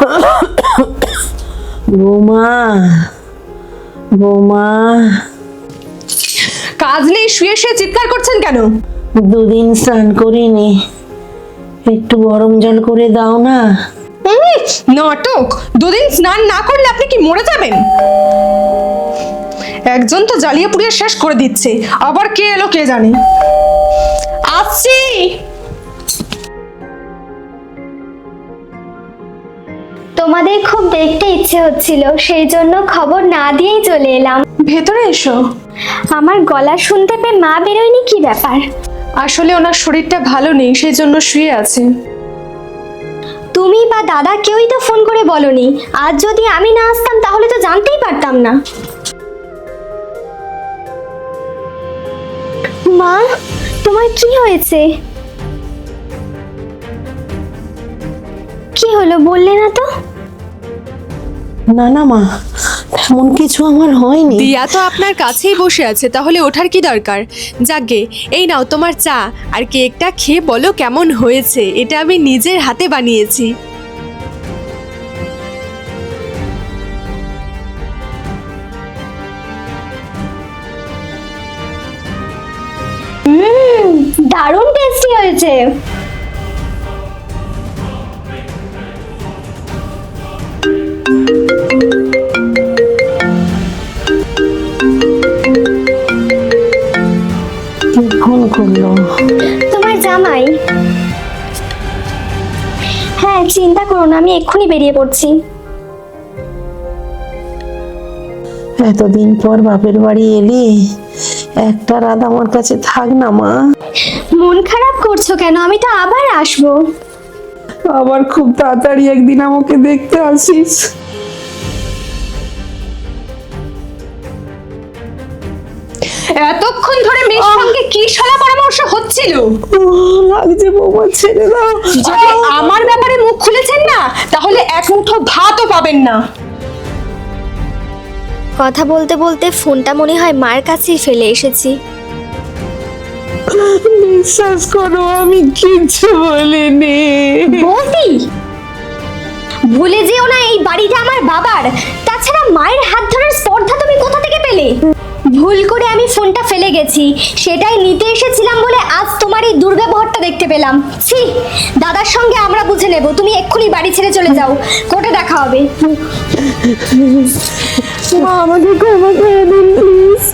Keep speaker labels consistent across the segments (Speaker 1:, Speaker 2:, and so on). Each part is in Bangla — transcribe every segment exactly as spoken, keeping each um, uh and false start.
Speaker 1: বৌমা, বৌমা,
Speaker 2: কাজ নেই, শুয়ে শুয়ে চিৎকার করছেন কেন?
Speaker 1: দুদিন স্নান করিনি, একটু গরম জল করে দাও না।
Speaker 2: উম, নাটক! দুদিন স্নান না করলে আপনি কি মরে যাবেন? একজন তো জ্বালিয়ে পুড়িয়ে শেষ করে দিচ্ছে, আবার কে এলো কে জানে। আসছি।
Speaker 3: তোমাদের খুব দেখতে ইচ্ছে হচ্ছিল, সেই জন্য খবর না দিয়েই চলে এলাম।
Speaker 2: ভেতরে এসো।
Speaker 3: আমার গলা শুনতে পেয়ে মা বেরোয়নি, কি ব্যাপার?
Speaker 2: আসলে ওনার শরীরটা ভালো নেই, সেই জন্য শুয়ে আছে।
Speaker 3: তুমি বা দাদা কেউই তো ফোন করে বলনি। আজ যদি আমি না আসতাম তাহলে তো জানতেই পারতাম না। মা, তোমার কি হয়েছে? কি হলো বললে না তো?
Speaker 1: না না মা, এমন কিছু আমার হয়নি।
Speaker 2: দিয়া তো আপনার কাছেই বসে আছে, তাহলে ওঠার কি দরকার? যাকগে, এই নাও তোমার চা, আর কেকটা খেয়ে বলো কেমন হয়েছে। এটা আমি নিজের হাতে বানিয়েছি।
Speaker 3: হুম, দারুণ টেস্টি হয়েছে।
Speaker 1: কে ফোন করলো?
Speaker 3: তোমার জামাই। হ্যাঁ, চিন্তা করো না, আমি এক্ষুনি বেরিয়ে পড়ছি।
Speaker 1: এতদিন পর বাপের বাড়ি এলি, একটা রাত আমার কাছে থাক না মা।
Speaker 3: মন খারাপ করছো কেন? আমি তো আবার আসবো।
Speaker 1: আবার খুব তাড়াতাড়ি একদিন আমাকে দেখতে আসিস।
Speaker 2: এতক্ষণ ধরে মেয়ের সঙ্গে কি শলা পরামর্শ হচ্ছিল?
Speaker 1: ও, লাগছে বৌমা, ছেড়ে দাও।
Speaker 2: যদি আমার ব্যাপারে মুখ খুলেছেন না, তাহলে এক মুঠো ভাতও পাবেন না।
Speaker 3: কথা বলতে বলতে ফোনটা মনে হয় মার কাছেই ফেলে এসেছি।
Speaker 1: বিশ্বাস করো, আমি কিচ্ছু বলিনি।
Speaker 3: বৌদি, ভুলে যেও না এই বাড়িটা আমার বাবার। তাছাড়া মায়ের হাত ধরার স্পর্ধা তুমি কোথা থেকে পেলে? ভুল করে আমি ফোনটা ফেলে গেছি, সেটাই নিতে এসেছিলাম বলে আজ তোমার এই দুর্ব্যবহারটা দেখতে পেলাম। ছি, দাদার সঙ্গে আমরা বুঝে নেব। তুমি এক্ষুনি বাড়ি ছেড়ে চলে যাও, কোর্টে দেখা হবে।
Speaker 1: মা, আমাকে ক্ষমা করে দিন প্লিজ।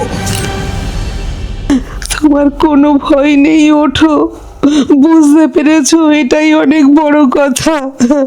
Speaker 1: তোমার কোনো ভয় নেই, ওঠো। বুঝতে পেরেছো, এটাই অনেক বড় কথা।